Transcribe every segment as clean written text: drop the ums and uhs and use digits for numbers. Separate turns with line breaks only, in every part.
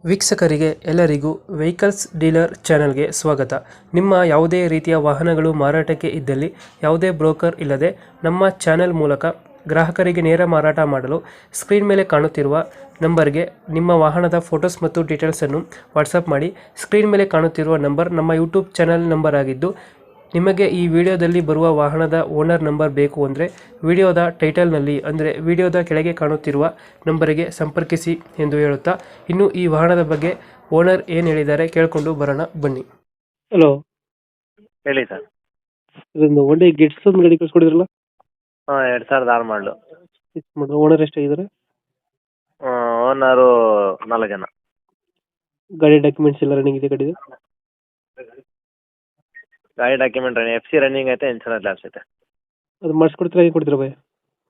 ವೀಕ್ಷಕರಿಗೆ ಎಲ್ಲರಿಗೂ vehicles dealer ಚಾನೆಲ್ಗೆ ಸ್ವಾಗತ. ನಿಮ್ಮ ಯಾವುದೇ ರೀತಿಯ ವಾಹನಗಳು ಮಾರಾಟಕ್ಕೆ ಇದ್ದಲ್ಲಿ ಯಾವುದೇ ಬ್ರೋಕರ್ ಇಲ್ಲದೆ ನಮ್ಮ ಚಾನೆಲ್ ಮೂಲಕ ಗ್ರಾಹಕರಿಗೆ ನೇರ ಮಾರಾಟ ಮಾಡಲು ಸ್ಕ್ರೀನ್ ಮೇಲೆ ಕಾಣುತ್ತಿರುವ ನಂಬರ್ಗೆ ನಿಮ್ಮ ವಾಹನದ ಫೋಟೋಸ್ ಮತ್ತು ಡೀಟೇಲ್ಸನ್ನು ವಾಟ್ಸಪ್ ಮಾಡಿ. ಸ್ಕ್ರೀನ್ ಮೇಲೆ ಕಾಣುತ್ತಿರುವ ನಂಬರ್ ನಮ್ಮ ಯೂಟ್ಯೂಬ್ ಚಾನೆಲ್ ನಂಬರ್ ಆಗಿದ್ದು, ನಿಮಗೆ ಈ ವಿಡಿಯೋದಲ್ಲಿ ಬರುವ ವಾಹನದ ಓನರ್ ನಂಬರ್ ಬೇಕು ಅಂದರೆ ವಿಡಿಯೋದ ಟೈಟಲ್ನಲ್ಲಿ ಅಂದರೆ ವಿಡಿಯೋದ ಕೆಳಗೆ ಕಾಣುತ್ತಿರುವ ನಂಬರಿಗೆ ಸಂಪರ್ಕಿಸಿ ಎಂದು ಹೇಳುತ್ತಾ, ಇನ್ನು ಈ ವಾಹನದ ಬಗ್ಗೆ ಓನರ್ ಏನು ಹೇಳಿದ್ದಾರೆ ಕೇಳಿಕೊಂಡು ಬರೋಣ ಬನ್ನಿ. ಹಲೋ,
ಹೇಳಿ ಸರ್.
ಇದೊಂದು ಒಳ್ಳೆ ಗೆಟ್ಸ್ ಒಂದು ಗಾಡಿ ಕಳ್ಸ್ಕೊಡಿದ್ರಲ್ಲ,
ಹಾಂ 2006 ಮಾಡಲು.
ಓನರ್ ಎಷ್ಟಾಗಿದ್ದಾರೆ?
ಓನರು 4 ಜನ.
ಗಾಡಿ ಡಾಕ್ಯುಮೆಂಟ್ಸ್ ಎಲ್ಲ ರನ್ನಿಂಗ್ ಇದೆ ಗಾಡಿದು?
ಗಾಡಿ ಡಾಕ್ಯುಮೆಂಟ್ FC ರನ್ನಿಂಗ್ ಐತೆ, ಇನ್ಶೂರೆನ್ಸ್ ಲ್ಯಾಪ್ಸ್ ಐತೆ.
ಅದು ಮಾಡಿಸ್ಕೊಡ್ತೀರಾ, ಹೇಗೆ ಕೊಡ್ತೀರಾ ಭಯ?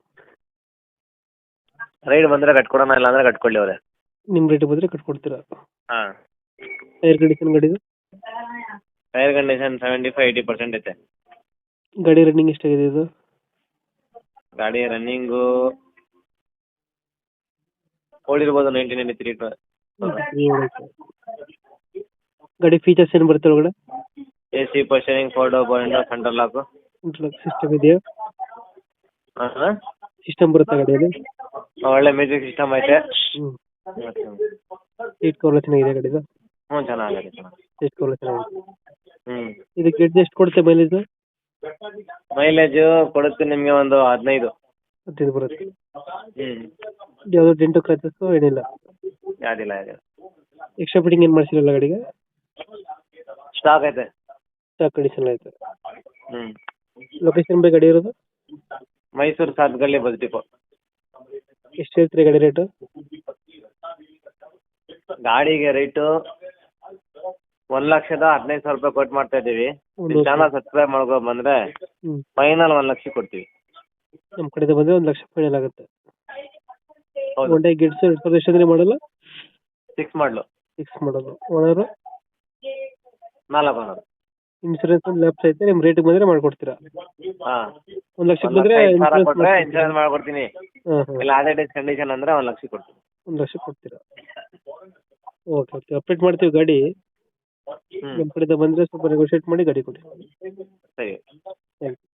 ರೈಡ್ ಬಂದರೆ ಕಟ್ಕೊಡೋಣ, ಇಲ್ಲ ಅಂದರೆ ಕಟ್ಕೊಳ್ಳಿ ಅವರೇ.
ನಿಮ್ಮ ರೇಟ್ ಬಂದರೆ ಕಟ್ಕೊಡ್ತೀರಾ?
ಹಾಂ.
ಟೈರ್ ಕಂಡೀಷನ್ ಗಾಡಿದು?
ಟೈರ್ ಕಂಡೀಷನ್ 75-80% ಐತೆ.
ಗಾಡಿ ರನ್ನಿಂಗ್ ಎಷ್ಟಾಗಿದೆ ಇದು?
ಗಾಡಿ ರನ್ನಿಂಗು ಓಡಿರ್ಬೋದು 1993.
ಗಾಡಿ ಫೀಚರ್ಸ್ ಏನು ಬರುತ್ತೆ ಒಳಗಡೆ?
AC ಪೋಸ್ಟರಿಂಗ್, 4 door window, center lock.
System ಇದೆಯಾ?
ಹಾಂ,
ಸಿಸ್ಟಮ್ ಬರುತ್ತೆ ಗಾಡಿಯಲ್ಲಿ?
ಒಳ್ಳೆ ಮ್ಯೂಸಿಕ್ ಸಿಸ್ಟಮ್ ಐತೆ.
ಸೀಟ್ ಕವರ್ ಚೆನ್ನಾಗಿದೆ ಗಾಡಿದು?
ಹ್ಞೂ, ಚೆನ್ನಾಗಿದೆ.
ಸೀಟ್ ಕವರ್ ಚೆನ್ನಾಗಿದೆ.
ಹ್ಞೂ.
ಇದು ಗೆಟ್ ಎಷ್ಟು ಕೊಡುತ್ತೆ ಮೈಲೇಜ್?
ಮೈಲೇಜು ಕೊಡುತ್ತೆ ನಿಮಗೆ ಒಂದು 15.
15 ಬರುತ್ತೆ.
ಹ್ಞೂ.
ಯಾವುದು ಡೆಂಟು ಕ್ರಾಚಸ್ ಏನಿಲ್ಲ?
ಯಾವ್ದಿಲ್ಲ.
ಎಕ್ಸ್ಟ್ರಾ ಫಿಟ್ಟಿಂಗ್ ಏನು ಮಾಡಿಸಿರಲ್ಲ ಗಾಡಿಗೆ?
ಸ್ಟಾಕ್ ಐತೆ.
ಸ್ಟಾಕ್ ಕಂಡೀಷನ್ ಐತೆ.
ಹ್ಞೂ.
ಲೊಕೇಶನ್ ಬೈ ಗಾಡಿ ಇರೋದು?
Mysuru Sathgalli bus depot.
ಎಷ್ಟು ಹೇಳ್ತೀರಿ ಗಾಡಿ ರೇಟು?
ಗಾಡಿಗೆ ರೇಟು 1,15,000 ರೂಪಾಯಿ ಕೊಟ್ಟು ಮಾಡ್ತಾ ಇದ್ದೀವಿ. ಚಾನಲ್ ಸಬ್ಸ್ಕ್ರೈಬ್ ಮಾಡ್ಕೊ ಬಂದರೆ ಫೈನಲ್ 1 ಲಕ್ಷ ಕೊಡ್ತೀವಿ.
ನಮ್ಮ ಕಡೆಯಿಂದ ಬಂದರೆ 1 ಲಕ್ಷ ಫೈನಲ್ ಆಗುತ್ತೆ.
ಹೌದು.
ಒನ್ ಡೇ ಗೆಟ್ಸ್ 2000 ಮಾಡಲ್ಲ?
6 ಮಾಡಲು.
6 ಮಾಡೋದು. ಓನರು?
4 ಓನರ್.
ಇನ್ಸೂರೆನ್ಸ್ ಒಂದು ಲ್ಯಾಪ್ಸ್ ಐತೆ, ನಿಮ್ಮ ರೇಟಿಗೆ ಬಂದರೆ ಮಾಡ್ಕೊಡ್ತೀರಾ?
ಹಾಂ.
1 ಲಕ್ಷಕ್ಕೆ ಬಂದರೆ
ಕೊಟ್ಟರೆ ಇನ್ಶೂರೆನ್ಸ್ ಮಾಡ್ಕೊಡ್ತೀನಿ.
ಹಾಂ,
ಇಲ್ಲ ಅದೇ ಡೇಸ್ ಕಂಡೀಷನ್ ಅಂದರೆ 1 ಲಕ್ಷ ಕೊಡ್ತೀನಿ.
1 ಲಕ್ಷ ಕೊಡ್ತೀರಾ? ಓಕೆ ಓಕೆ, ಅಪ್ಡೇಟ್ ಮಾಡ್ತೀವಿ ಗಾಡಿ.
ಹ್ಞೂ,
ನಮ್ಮ ಕಡೆಯಿಂದ ಬಂದರೆ ಸ್ವಲ್ಪ ನೆಗೋಷಿಯೇಟ್ ಮಾಡಿ ಗಾಡಿ ಕೊಡಿ.
ಸರಿ.
Thank you.